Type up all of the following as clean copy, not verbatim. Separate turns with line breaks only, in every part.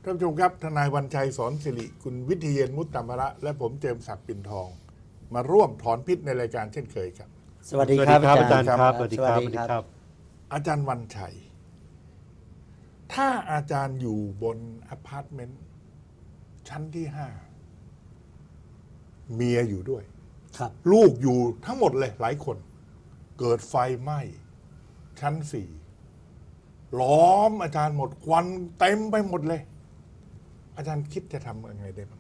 ท่านผู้ชมครับทนายวันชัยสอนสิริคุณวิทยเยนมุตตมระและผมเจมส์ศักดิ์ปิ่นทอง มาร่วมถอนพิษในรายการเช่นเคยครับ
สวัสดีครับอาจารย์
ครับสวัสดีครับ
สวัสดีครับ
อาจารย์วันชัย ถ้าอาจารย์อยู่บนอพาร์ตเมนต์ชั้นที่5เมียอยู่ด้วย
ครับ
ลูกอยู่ทั้งหมดเลยหลายคน เกิดไฟไหม้ชั้น4ล้อมอาจารย์หมดควันเต็มไปหมดเลย อาจารย์คิดจะทำยังไงได้บ้าง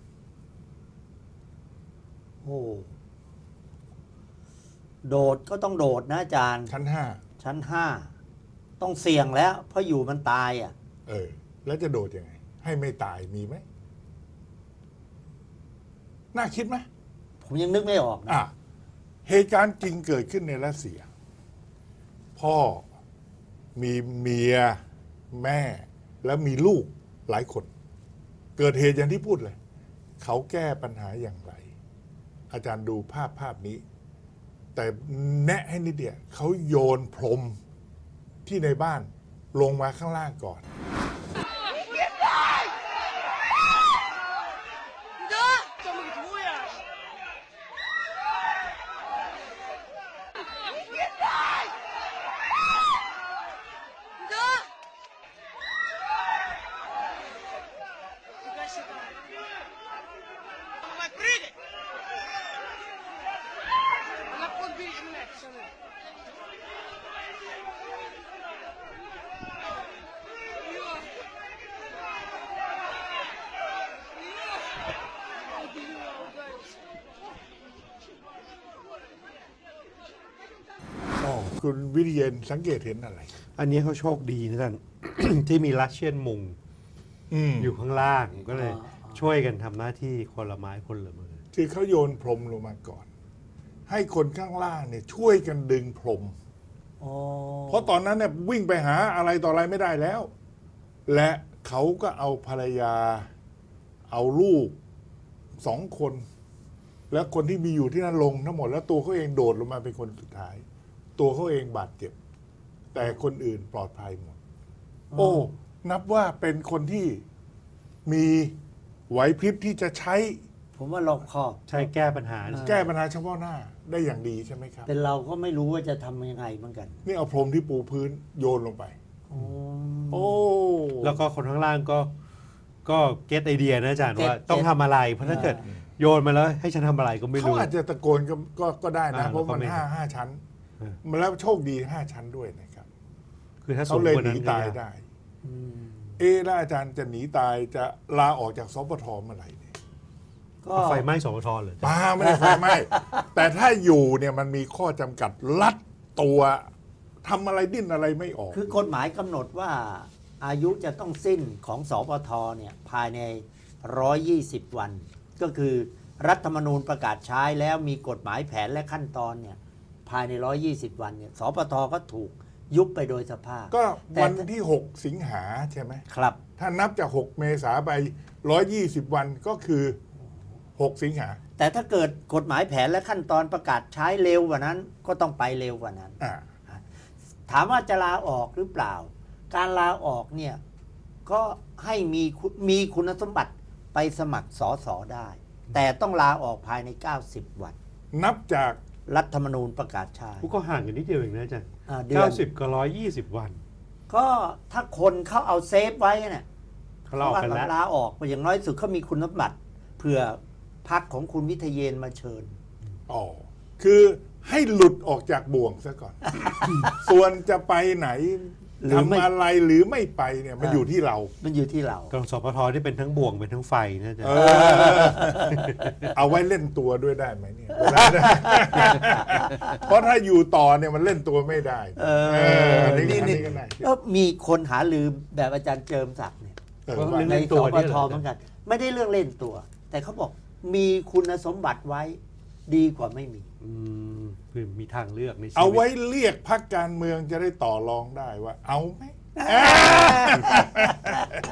โอ้โดดก็ต้องโดดนะอาจารย์
ชั้น
ชั้น5ต้องเสี่ยงแล้ว เพราะอยู่มันตายอ่ะ
5แล้วจะโดดยังไง ให้ไม่ตายมีไหมน่าคิดไหม
ผมยังนึกไม่ออกนะ
เหตุการณ์จริงเกิดขึ้นในรัสเซีย พ่อมีเมียแม่แล้วมีลูกหลายคน เกิดเหตุอย่างที่พูดเลย เขาแก้ปัญหาอย่างไร อาจารย์ดูภาพนี้ แต่แนะให้นิดเดียวเขาโยนพรมที่ในบ้านลงมาข้างล่างก่อน
这么毒呀！你的，你干什么？الله يفرجك. الله يقول بي إنك شنو؟
คุณวิทยเยนสังเกตเห็นอะไร
อันนี้เขาโชคดีนะท่าน ที่มีรัสเซียนมุงอยู่ข้างล่างก็เลยช่วยกันทำหน้าที่คนละไม้คนละมือ
ที่เขาโยนพรมลงมาก่อน ให้คนข้างล่างเนี่ยช่วยกันดึงพรม
อ๋อ
เพราะตอนนั้นเนี่ยวิ่งไปหาอะไรต่ออะไรไม่ได้แล้ว และเขาก็เอาภรรยา เอาลูก2 คน แล้วคนที่มีอยู่ที่นั่นลงทั้งหมดแล้วตัวเขาเองโดดลงมาเป็นคนสุดท้าย ตัวเขาเองบาดเจ็บ แต่คนอื่นปลอดภัยหมด โอ้ นับว่าเป็นคนที่มีไหวพริบที่จะใช้
ผมว่ารอบคอบ
ใช้แก้ปัญหา
แก้ปัญหาเฉพาะหน้าได้อย่างดีใช่ไหมครับ
เป็นเราก็ไม่รู้ว่าจะทำยังไงเหมือนกัน
นี่เอาพรมที่ปูพื้นโยนลงไป
อ๋อ
โอ้
แล้วก็คนข้างล่างก็เก็ตไอเดียนะอาจารย์
เก็ต
ว่าต้องทำอะไร เพราะถ้าเกิดโยนมาแล้วให้ฉันทำอะไรก็ไม่
เขา
รู้
อาจจะตะโกนก็ได้นะ เพราะมัน
แล้วก็ไม่
ห้าชั้น
เออ
มันแล้วโชคดี5 ชั้นด้วยนะครับ
คือถ้าสู
เขา
ง
เลย
กว่า
ห
นั้
นี
นก็
ตาย
ยาก
ได้
อืม
แล้วอาจารย์จะหนีตายจะลาออกจากสปทเมื่อไหร่เนี่ย
ก็
เอาไฟไหม้สปทเหรอ
ป้าไม่ได้ไฟไหม้ แต่ถ้าอยู่เนี่ยมันมีข้อจำกัดลัดตัวทำอะไรดิ้นอะไรไม่ออก
คือกฎหมายกำหนดว่าอายุจะต้องสิ้นของสปทเนี่ยภายใน 120 วัน ก็คือรัฐธรรมนูญประกาศใช้แล้วมีกฎหมายแผนและขั้นตอนเนี่ยภายใน 120 วันเนี่ยสปทก็ถูกยุบไปโดยสภาพ
ก็
แต่
วันที่ 6 สิงหาใช่ไหม
ครับ
ถ้านับจาก 6 เมษาไป 120 วันก็คือ 6 สิงหา
แต่ถ้าเกิดกฎหมายแผนและขั้นตอนประกาศใช้เร็วกว่านั้น ก็ต้องไปเร็วกว่านั้น
อ่า
ถามว่าจะลาออกหรือเปล่า การลาออกเนี่ยก็ให้มีคุณสมบัติไปสมัครสอสอได้ แต่ต้องลาออกภายใน 90 วัน
นับจาก
รัฐธรรมนูญประกาศใช้
ก็ห่างกันนิดเดียวเองนะอาจารย์
เดือน
90 กับ 120 วัน
ก็ถ้าคนเขาเอาเซฟไว้เนี่ย
เขาลาออกกันแล้ว
ลาออกอย่างน้อยสุดเขามีคุณสมบัติเผื่อพักของคุณวิทยเยนมาเชิญ
อ๋อ คือให้หลุดออกจากบ่วงซะก่อน ส่วนจะไปไหน
หรือไม่
ทำอะไรหรือไม่ไปเนี่ยมันอยู่ที่เรา
มันอยู่ที่เรา
กองสปทที่เป็นทั้งบ่วงเป็นทั้งไฟนะอาจารย์
เอาไว้เล่นตัวด้วยได้ไหมเนี่ยเวลาได้ เพราะถ้าอยู่ต่อเนี่ยมันเล่นตัวไม่ได้อันนี้ก็ได้
ก็มีคนหาลือแบบอาจารย์เจิมศักดิ์เนี่ย
ว่า
ใน
เล่น
ส
ตัว
ป
เนี่ย
ท
เหรอ
เหมือนกัน ไม่ได้เรื่องเล่นตัว แต่เขาบอกมีคุณสมบัติไว้ดีกว่าไม่มี
คือมีทางเลือกในชีวิต
เอาไว้เรียกพรรคการเมืองจะได้ต่อรองได้ว่า เอาไหม